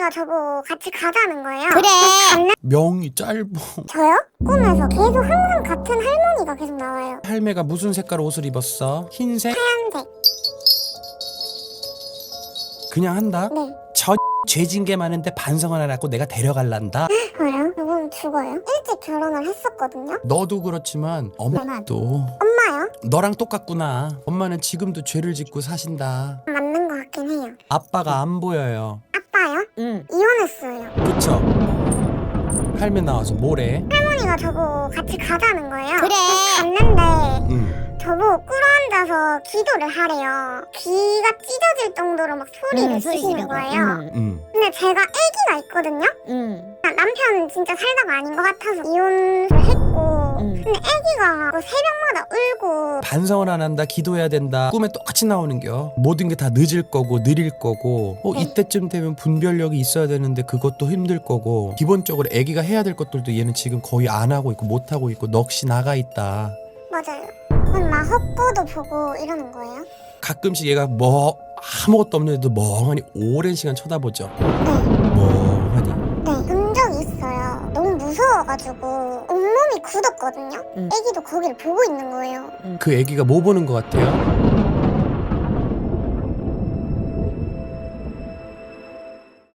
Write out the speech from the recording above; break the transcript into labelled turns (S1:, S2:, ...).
S1: 할머니가 저보고 같이 가자는 거예요.
S2: 그래.
S3: 명이 짧어.
S1: 저요? 꿈에서 계속 항상 같은 할머니가 계속 나와요.
S3: 할매가 무슨 색깔 옷을 입었어? 흰색?
S1: 하얀색.
S3: 그냥 한다?
S1: 네.
S3: 저 죄진 게 많은데 반성을 안 하고 내가 데려갈란다?
S1: 왜요? 그건 죽어요? 일찍 결혼을 했었거든요.
S3: 너도 그렇지만 엄마도
S1: 엄마요?
S3: 너랑 똑같구나. 엄마는 지금도 죄를 짓고 사신다.
S1: 맞는 것 같긴 해요.
S3: 아빠가 안 보여요.
S1: 아빠요?
S2: 응.
S1: 이혼했어요.
S3: 그쵸? 할매 나와서 뭐래?
S1: 할머니가 저보고 같이 가자는 거예요.
S2: 그래.
S1: 갔는데
S3: 응.
S1: 저보고 꿇어앉아서 기도를 하래요. 귀가 찢어질 정도로 막 소리를 지르는 거예요.
S3: 응.
S1: 근데 제가 아기가 있거든요.
S2: 응.
S1: 남편 진짜 살다가 아닌 것 같아서 이혼을 했고 근데 아기가 뭐 새벽마다 울고
S3: 반성을 안 한다, 기도해야 된다. 꿈에 똑같이 나오는겨. 모든 게 다 늦을 거고 느릴 거고 이때쯤 되면 분별력이 있어야 되는데 그것도 힘들 거고 기본적으로 애기가 해야 될 것들도 얘는 지금 거의 안 하고 있고 못 하고 있고 넋이 나가 있다.
S1: 맞아요. 그럼 막 헛보도 보고 이러는 거예요?
S3: 가끔씩 얘가 뭐 아무것도 없는데도 멍하니 오랜 시간 쳐다보죠.
S1: 네.
S3: 멍하니.
S1: 네. 본 적이 있어요. 너무 무서워가지고 온몸이 굳었거든요.
S2: 응.
S1: 아기도 거기를 보고 있는 거예요.
S3: 그 애기가 뭐 보는 것 같아요?